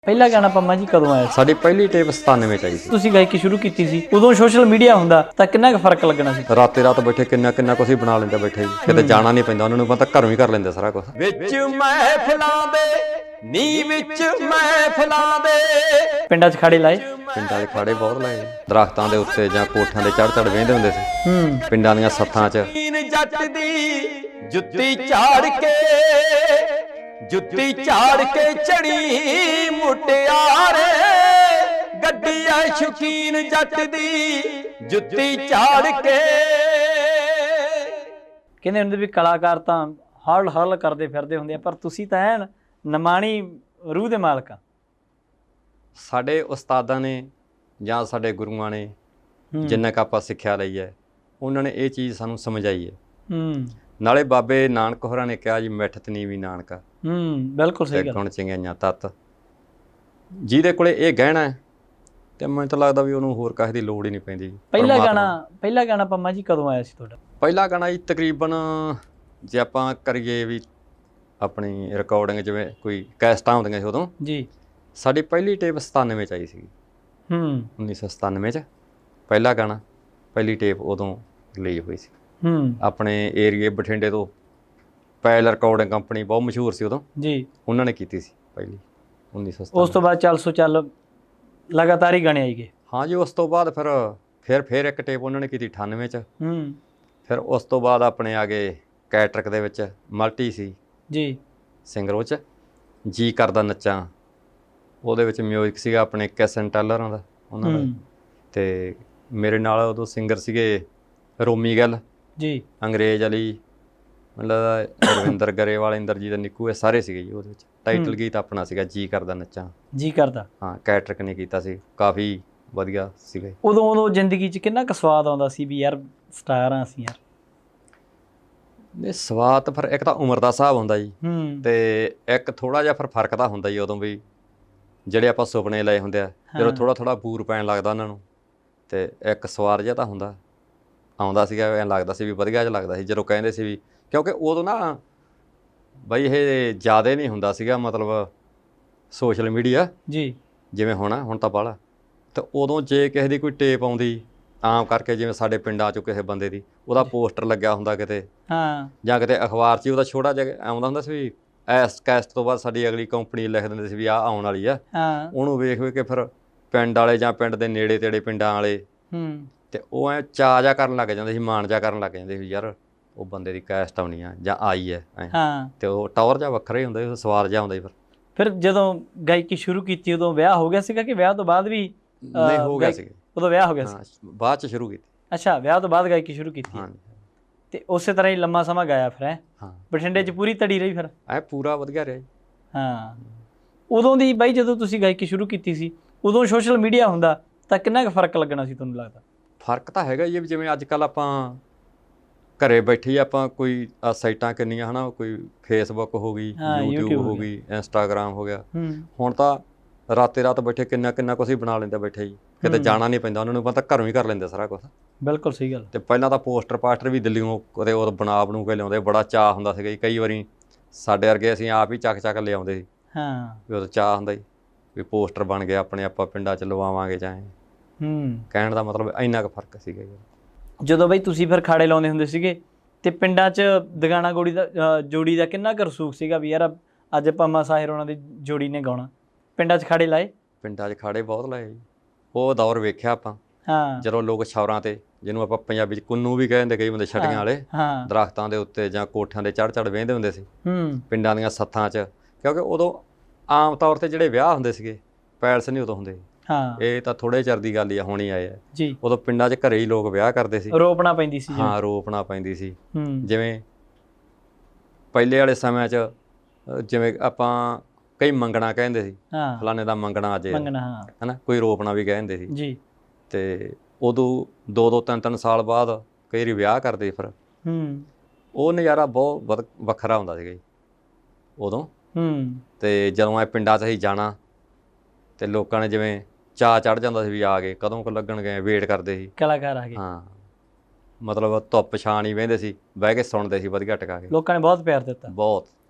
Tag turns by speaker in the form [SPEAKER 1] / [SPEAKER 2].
[SPEAKER 1] ਪਹਿਲਾ ਗਾਣਾ ਪੰਮਾ ਜੀ ਕਦੋਂ ਆਇਆ ਸੀ?
[SPEAKER 2] ਸਾਡੀ ਪਹਿਲੀ ਟੇਪ 97 ਚ ਆਈ ਸੀ।
[SPEAKER 1] ਤੁਸੀਂ ਗਾਇਕੀ ਸ਼ੁਰੂ ਕੀਤੀ ਸੀ ਉਦੋਂ ਸੋਸ਼ਲ ਮੀਡੀਆ ਹੁੰਦਾ ਤਾਂ ਕਿੰਨਾ ਕੁ ਫਰਕ ਲੱਗਣਾ ਸੀ?
[SPEAKER 2] ਰਾਤੇ ਰਾਤ ਬੈਠੇ ਕਿੰਨਾ ਕੁਛ ਹੀ ਬਣਾ ਲੈਂਦੇ ਬੈਠੇ ਜੀ। ਕਿਤੇ ਜਾਣਾ ਨਹੀਂ ਪੈਂਦਾ, ਉਹਨਾਂ ਨੂੰ ਪਤਾ ਘਰੋਂ ਹੀ ਕਰ ਲੈਂਦੇ ਸਾਰਾ ਕੁਝ। ਵਿੱਚ ਮਹਿਫਲਾਂ ਦੇ ਨੀ ਵਿੱਚ ਮਹਿਫਲਾਂ ਦੇ
[SPEAKER 1] ਪਿੰਡਾਂ 'ਚ ਖਾੜੇ ਲਾਏ?
[SPEAKER 2] ਪਿੰਡਾਂ ਦੇ ਖਾੜੇ ਬਹੁਤ ਲਾਏ, ਦਰਖਤਾਂ ਦੇ ਉੱਤੇ ਜਾਂ ਕੋਠਿਆਂ ਦੇ ਚੜ੍ਹ ਵੇਂਦੇ ਹੁੰਦੇ ਸੀ। ਪਿੰਡਾਂ ਦੀਆਂ ਸੱਥਾਂ 'ਚ ਜੱਟ ਦੀ ਜੁੱਤੀ ਝਾੜ ਕੇ ਚੜੀ ਮੁਟਿਆਰੇ ਗੱਡੀ ਐ ਸ਼ੌਕੀਨ ਜੱਟ ਦੀ ਜੁੱਤੀ ਝਾੜ ਕੇ।
[SPEAKER 1] ਕਹਿੰਦੇ ਹੁੰਦੇ ਵੀ ਕਲਾਕਾਰ ਤਾਂ ਹਰਲ ਕਰਦੇ ਫਿਰਦੇ ਹੁੰਦੇ ਆ, ਪਰ ਤੁਸੀਂ ਤਾਂ ਐਨ ਨਿਮਾਣੀ ਰੂਹ ਦੇ ਮਾਲਕ ਆ।
[SPEAKER 2] ਸਾਡੇ ਉਸਤਾਦਾਂ ਨੇ ਜਾਂ ਸਾਡੇ ਗੁਰੂਆਂ ਨੇ ਜਿੰਨਾ ਕੁ ਆਪਾਂ ਸਿੱਖਿਆ ਲਈ ਹੈ, ਉਹਨਾਂ ਨੇ ਇਹ ਚੀਜ਼ ਸਾਨੂੰ ਸਮਝਾਈ ਹੈ। ਨਾਲੇ ਬਾਬੇ ਨਾਨਕ ਹੋਰਾਂ ਨੇ ਕਿਹਾ ਜੀ ਮਿੱਠਤ ਨੀਵੀਂ ਨਾਨਕਾ।
[SPEAKER 1] ਬਿਲਕੁਲ ਸਹੀ ਗੱਲ।
[SPEAKER 2] ਗੁਣ ਚੰਗਿਆਈਆਂ ਤੱਤ ਜਿਹਦੇ ਕੋਲੇ ਇਹ ਗਹਿਣਾ ਹੈ ਤੇ ਮੈਨੂੰ ਤਾਂ ਲੱਗਦਾ ਵੀ ਉਹਨੂੰ ਹੋਰ ਕਾਹੇ ਦੀ ਲੋੜ ਹੀ ਨਹੀਂ ਪੈਂਦੀ।
[SPEAKER 1] ਪਹਿਲਾ ਗਾਣਾ ਪੰਮਾ ਜੀ ਕਦੋਂ ਆਇਆ ਸੀ ਤੁਹਾਡਾ?
[SPEAKER 2] ਪਹਿਲਾ ਗਾਣਾ ਜੀ ਤਕਰੀਬਨ ਜੇ ਆਪਾਂ ਕਰੀਏ ਵੀ ਆਪਣੀ ਰਿਕਾਰਡਿੰਗ ਜਿਵੇਂ ਕੋਈ ਕੈਸਟਾਂ ਹੁੰਦੀਆਂ ਸੀ ਉਦੋਂ
[SPEAKER 1] ਜੀ,
[SPEAKER 2] ਸਾਡੀ ਪਹਿਲੀ ਟੇਪ 97 ਚ ਆਈ ਸੀਗੀ। 1997 ਚ ਪਹਿਲਾ ਗਾਣਾ, ਪਹਿਲੀ ਟੇਪ ਉਦੋਂ ਰਿਲੀਜ਼ ਹੋਈ ਸੀ। ਆਪਣੇ ਏਰੀਏ ਬਠਿੰਡੇ ਤੋਂ ਪੈਲ ਰਿਕਾਰਡਿੰਗ ਕੰਪਨੀ ਬਹੁਤ ਮਸ਼ਹੂਰ ਸੀ ਉਦੋਂ ਜੀ, ਉਹਨਾਂ ਨੇ ਕੀਤੀ ਸੀ ਪਹਿਲੀ 1997।
[SPEAKER 1] ਉਸ ਤੋਂ ਬਾਅਦ ਚੱਲ ਸੋ ਚੱਲ ਲਗਾਤਾਰ ਹੀ ਗਾਣੇ ਆਈ ਗਏ।
[SPEAKER 2] ਹਾਂ ਜੀ, ਉਸ ਤੋਂ ਬਾਅਦ ਫਿਰ ਇੱਕ ਟੇਪ ਉਹਨਾਂ ਨੇ ਕੀਤੀ 98 ਚ। ਫਿਰ ਉਸ ਤੋਂ ਬਾਅਦ ਆਪਣੇ ਆ ਗਏ ਕੈਟਰਿਕ ਦੇ ਵਿੱਚ ਮਲਟੀ ਸੀ ਜੀ ਸਿੰਗਰ, ਉਹ 'ਚ ਜੀ ਕਰਦਾ ਨੱਚਾਂ, ਉਹਦੇ ਵਿੱਚ ਮਿਊਜ਼ਿਕ ਸੀਗਾ ਆਪਣੇ ਕੈਸਨ ਟੈਲਰਾਂ ਦਾ ਉਹਨਾਂ ਦਾ, ਤੇ ਮੇਰੇ ਨਾਲ ਉਦੋਂ ਸਿੰਗਰ ਸੀਗੇ ਰੋਮੀ ਗਿੱਲ ਜੀ, ਅੰਗਰੇਜ਼ ਅਲੀ, ਮਤਲਬ ਰਵਿੰਦਰ ਗਰੇਵਾਲ, ਇੰਦਰਜੀਤ, ਨਿੱਕੂ, ਇਹ ਸਾਰੇ ਸੀਗੇ ਜੀ ਉਹਦੇ ਵਿੱਚ। ਟਾਈਟਲ ਗੀਤ ਆਪਣਾ ਸੀਗਾ ਜੀ ਕਰਦਾ ਨੱਚਾਂ, ਜੀ ਕਰਦਾ। ਹਾਂ, ਕੈਟਰਿਕ ਨੇ ਕੀਤਾ ਸੀ, ਕਾਫੀ ਵਧੀਆ ਸੀਗਾ। ਉਦੋਂ
[SPEAKER 1] ਜ਼ਿੰਦਗੀ 'ਚ ਕਿੰਨਾ ਕੁ ਸਵਾਦ ਆਉਂਦਾ ਸੀ ਵੀ ਯਾਰ ਸਟਾਰ ਆ ਅਸੀਂ ਯਾਰ?
[SPEAKER 2] ਇਹ ਸਵਾਦ ਫਿਰ ਇੱਕ ਤਾਂ ਉਮਰ ਦਾ ਹਿਸਾਬ ਹੁੰਦਾ ਜੀ, ਤੇ ਇੱਕ ਥੋੜਾ ਜਿਹਾ ਫਿਰ ਫਰਕ ਤਾਂ ਹੁੰਦਾ ਜੀ ਉਦੋਂ ਵੀ ਜਿਹੜੇ ਆਪਾਂ ਸੁਪਨੇ ਲਏ ਹੁੰਦੇ ਆ, ਜਦੋਂ ਥੋੜਾ ਬੂਰ ਪੈਣ ਲੱਗਦਾ ਉਹਨਾਂ ਨੂੰ, ਤੇ ਇੱਕ ਸਵਾਦ ਜਿਹਾ ਤਾਂ ਆਉਂਦਾ ਸੀਗਾ। ਐਂ ਲੱਗਦਾ ਸੀ ਵੀ ਵਧੀਆ ਜਿਹਾ ਲੱਗਦਾ ਸੀ ਜਦੋਂ ਕਹਿੰਦੇ ਸੀ ਵੀ, ਕਿਉਂਕਿ ਉਦੋਂ ਨਾ ਬਈ ਇਹ ਜ਼ਿਆਦਾ ਨਹੀਂ ਹੁੰਦਾ ਸੀਗਾ ਮਤਲਬ ਸੋਸ਼ਲ ਮੀਡੀਆ ਜੀ ਜਿਵੇਂ ਹੁਣ ਤਾਂ ਬਾਹਲਾ। ਤੇ ਉਦੋਂ ਜੇ ਕਿਸੇ ਦੀ ਕੋਈ ਟੇਪ ਆਉਂਦੀ ਆਮ ਕਰਕੇ, ਜਿਵੇਂ ਸਾਡੇ ਪਿੰਡਾਂ 'ਚੋਂ ਕਿਸੇ ਬੰਦੇ ਦੀ ਉਹਦਾ ਪੋਸਟਰ ਲੱਗਿਆ ਹੁੰਦਾ ਕਿਤੇ, ਜਾਂ ਕਿਤੇ ਅਖਬਾਰ 'ਚ ਉਹਦਾ ਛੋਟਾ ਜਿਹਾ ਆਉਂਦਾ ਹੁੰਦਾ ਸੀ ਵੀ ਇਸ ਕੈਸਟ ਤੋਂ ਬਾਅਦ ਸਾਡੀ ਅਗਲੀ ਕੰਪਨੀ ਲਿਖ ਦਿੰਦੇ ਸੀ ਵੀ ਆਹ ਆਉਣ ਵਾਲੀ ਆ। ਉਹਨੂੰ ਵੇਖ ਕੇ ਫਿਰ ਪਿੰਡ ਵਾਲੇ ਜਾਂ ਪਿੰਡ ਦੇ ਨੇੜੇ ਤੇੜੇ ਪਿੰਡਾਂ ਵਾਲੇ ਤੇ ਉਹ ਐ ਚਾਅ ਜਿਹਾ ਕਰਨ ਲੱਗ ਜਾਂਦੇ ਸੀ, ਮਾਣ ਜਿਹਾ ਕਰਨ ਲੱਗ ਜਾਂਦੇ ਸੀ ਯਾਰ ਉਹ ਬੰਦੇ ਦੀ ਕੈਸਟ ਆਉਣੀ ਆ ਜਾਂ ਆਈ ਹੈ। ਤੇ ਉਹ ਟੌਰ ਜਿਹਾ ਵੱਖਰਾ ਹੀ ਹੁੰਦਾ ਸੀ, ਸਵਾਦ ਜਿਹਾ ਹੁੰਦਾ ਸੀ। ਫਿਰ
[SPEAKER 1] ਜਦੋਂ ਗਾਇਕੀ ਸ਼ੁਰੂ ਕੀਤੀ ਉਦੋਂ ਵਿਆਹ ਹੋ ਗਿਆ ਸੀਗਾ ਕਿ ਵਿਆਹ ਤੋਂ ਬਾਅਦ ਵੀ?
[SPEAKER 2] ਨਹੀਂ, ਹੋ ਗਿਆ ਸੀ
[SPEAKER 1] ਉਦੋਂ ਵਿਆਹ ਹੋ ਗਿਆ ਸੀ,
[SPEAKER 2] ਬਾਅਦ 'ਚ ਸ਼ੁਰੂ ਕੀਤੀ।
[SPEAKER 1] ਅੱਛਾ, ਵਿਆਹ ਤੋਂ ਬਾਅਦ ਗਾਇਕੀ ਸ਼ੁਰੂ ਕੀਤੀ। ਤੇ ਉਸੇ ਤਰ੍ਹਾਂ ਹੀ ਲੰਮਾ ਸਮਾਂ ਗਾਇਆ ਫਿਰ? ਬਠਿੰਡੇ 'ਚ ਪੂਰੀ ਤੜੀ ਰਹੀ ਫਿਰ?
[SPEAKER 2] ਪੂਰਾ ਵਧੀਆ ਰਿਹਾ ਜੀ।
[SPEAKER 1] ਉਦੋਂ ਦੀ ਬਾਈ ਜਦੋਂ ਤੁਸੀਂ ਗਾਇਕੀ ਸ਼ੁਰੂ ਕੀਤੀ ਸੀ ਉਦੋਂ ਸੋਸ਼ਲ ਮੀਡੀਆ ਹੁੰਦਾ ਤਾਂ ਕਿੰਨਾ ਕੁ ਫਰਕ ਲੱਗਣਾ ਸੀ ਤੁਹਾਨੂੰ ਲੱਗਦਾ?
[SPEAKER 2] ਫਰਕ ਤਾਂ ਹੈਗਾ ਜੀ, ਜਿਵੇਂ ਅੱਜ ਕੱਲ੍ਹ ਆਪਾਂ ਘਰੇ ਬੈਠੇ ਆਪਾਂ ਕੋਈ ਸਾਈਟਾਂ ਕਿੰਨੀਆਂ ਹੈ ਨਾ, ਕੋਈ ਫੇਸਬੁੱਕ ਹੋ ਗਈ, ਯੂਟਿਊਬ ਹੋ ਗਈ, ਇੰਸਟਾਗ੍ਰਾਮ ਹੋ ਗਿਆ। ਹੁਣ ਤਾਂ ਰਾਤੇ ਰਾਤ ਬੈਠੇ ਕਿੰਨਾ ਕੁਛ ਹੀ ਬਣਾ ਲੈਂਦੇ ਬੈਠੇ ਜੀ। ਕਿਤੇ ਜਾਣਾ ਨਹੀਂ ਪੈਂਦਾ, ਉਹਨਾਂ ਨੂੰ ਪਤਾ ਘਰੋਂ ਹੀ ਕਰ ਲੈਂਦੇ ਸਾਰਾ ਕੁਛ।
[SPEAKER 1] ਬਿਲਕੁਲ ਸਹੀ ਗੱਲ।
[SPEAKER 2] ਤੇ ਪਹਿਲਾਂ ਤਾਂ ਪੋਸਟਰ ਵੀ ਦਿੱਲੀਓਂ ਕਦੇ ਉਹ ਬਣਾ ਕੇ ਲਿਆਉਂਦੇ, ਬੜਾ ਚਾਅ ਹੁੰਦਾ ਸੀਗਾ ਜੀ। ਕਈ ਵਾਰੀ ਸਾਡੇ ਵਰਗੇ ਅਸੀਂ ਆਪ ਹੀ ਚੱਕ ਲਿਆਉਂਦੇ ਸੀ ਵੀ ਉਦੋਂ ਚਾਅ ਹੁੰਦਾ ਜੀ ਵੀ ਪੋਸਟਰ ਬਣ ਗਿਆ ਆਪਣੇ, ਆਪਾਂ ਪਿੰਡਾਂ 'ਚ ਲਵਾਵਾਂਗੇ ਚਾਹੇ। ਕਹਿਣ ਦਾ ਮਤਲਬ ਇੰਨਾ ਕੁ ਫਰਕ ਸੀਗਾ ਜੀ।
[SPEAKER 1] ਜਦੋਂ ਬਈ ਤੁਸੀਂ ਫਿਰ ਖਾੜੇ ਲਾਉਂਦੇ ਹੁੰਦੇ ਸੀਗੇ ਤੇ ਪਿੰਡਾਂ 'ਚ ਦਗਾਣਾ ਜੋੜੀ ਦਾ ਕਿੰਨਾ ਕੁ ਰਸੂਖ ਸੀਗਾ ਵੀ ਯਾਰ ਅੱਜ ਪੰਮਾ ਸਾਹਿਰ ਉਹਨਾਂ ਦੀ ਜੋੜੀ ਨੇ ਗਾਉਣਾ? ਪਿੰਡਾਂ 'ਚ ਖਾੜੇ ਲਾਏ?
[SPEAKER 2] ਪਿੰਡਾਂ 'ਚ ਖਾੜੇ ਬਹੁਤ ਲਾਏ ਜੀ। ਉਹ ਦੌਰ ਵੇਖਿਆ ਆਪਾਂ ਜਦੋਂ ਲੋਕ ਛੌਰਾਂ ਤੇ, ਜਿਹਨੂੰ ਆਪਾਂ ਪੰਜਾਬੀ 'ਚ ਕੁੰਨੂ ਵੀ ਕਹਿੰਦੇ ਕਈ ਬੰਦੇ, ਛਟੀਆਂ ਵਾਲੇ, ਦਰਖਤਾਂ ਦੇ ਉੱਤੇ ਜਾਂ ਕੋਠਿਆਂ ਦੇ ਚੜ੍ਹ ਵੇਂਦੇ ਹੁੰਦੇ ਸੀ ਪਿੰਡਾਂ ਦੀਆਂ ਸੱਥਾਂ 'ਚ। ਕਿਉਂਕਿ ਉਦੋਂ ਆਮ ਤੌਰ ਤੇ ਜਿਹੜੇ ਵਿਆਹ ਹੁੰਦੇ ਸੀਗੇ ਪੈਲਸ ਨਹੀਂ ਉਦੋਂ ਹੁੰਦੇ। ਇਹ ਤਾਂ ਥੋੜੇ ਚਿਰ ਦੀ ਗੱਲ ਹੀ ਆ, ਹੁਣ ਹੀ ਆਏ ਆ ਜੀ। ਉਦੋਂ ਪਿੰਡਾਂ 'ਚ ਘਰੇ ਹੀ ਲੋਕ ਵਿਆਹ ਕਰਦੇ ਸੀ, ਰੋਪਣਾ ਪੈਂਦੀ ਸੀ। ਰੋਪਣਾ ਪੈਂਦੀ ਸੀ। ਜਿਵੇਂ ਪਹਿਲੇ ਵਾਲੇ ਸਮਿਆਂ 'ਚ ਜਿਵੇਂ ਆਪਾਂ ਕਈ ਮੰਗਣਾ ਕਹਿੰਦੇ ਸੀ, ਫਲਾਣੇ ਦਾ ਮੰਗਣਾ ਅੱਜ ਹਨਾ, ਕੋਈ ਰੋਪਣਾ ਵੀ ਕਹਿੰਦੇ ਸੀ ਜੀ। ਤੇ ਉਦੋਂ 2-2, 3-3 ਸਾਲ ਬਾਅਦ ਕਈ ਵਾਰੀ ਵਿਆਹ ਕਰਦੇ ਫਿਰ। ਉਹ ਨਜ਼ਾਰਾ ਬਹੁਤ ਵੱਖਰਾ ਹੁੰਦਾ ਸੀਗਾ ਜੀ ਉਦੋਂ। ਤੇ ਜਦੋਂ ਇਹ ਪਿੰਡਾਂ 'ਚ ਅਸੀਂ ਜਾਣਾ ਤੇ ਲੋਕਾਂ ਨੇ ਜਿਵੇਂ ਚਾਅ ਚੜ੍ਹ ਜਾਂਦਾ ਸੀ ਵੀ ਆ ਗਏ, ਕਦੋਂ ਕੁ ਲੱਗਣਗੇ, ਵੇਟ ਕਰਦੇ ਸੀ ਕਲਾਕਾਰ ਆ ਗਏ। ਮਤਲਬ ਧੁੱਪ ਛਾਂ ਹੀ ਬਹਿੰਦੇ ਸੀ, ਬਹਿ ਕੇ ਸੁਣਦੇ ਸੀ ਵਧੀਆ ਟਿਕਾ ਕੇ। ਲੋਕਾਂ ਨੇ ਬਹੁਤ ਪਿਆਰ ਦਿੱਤਾ, ਬਹੁਤ।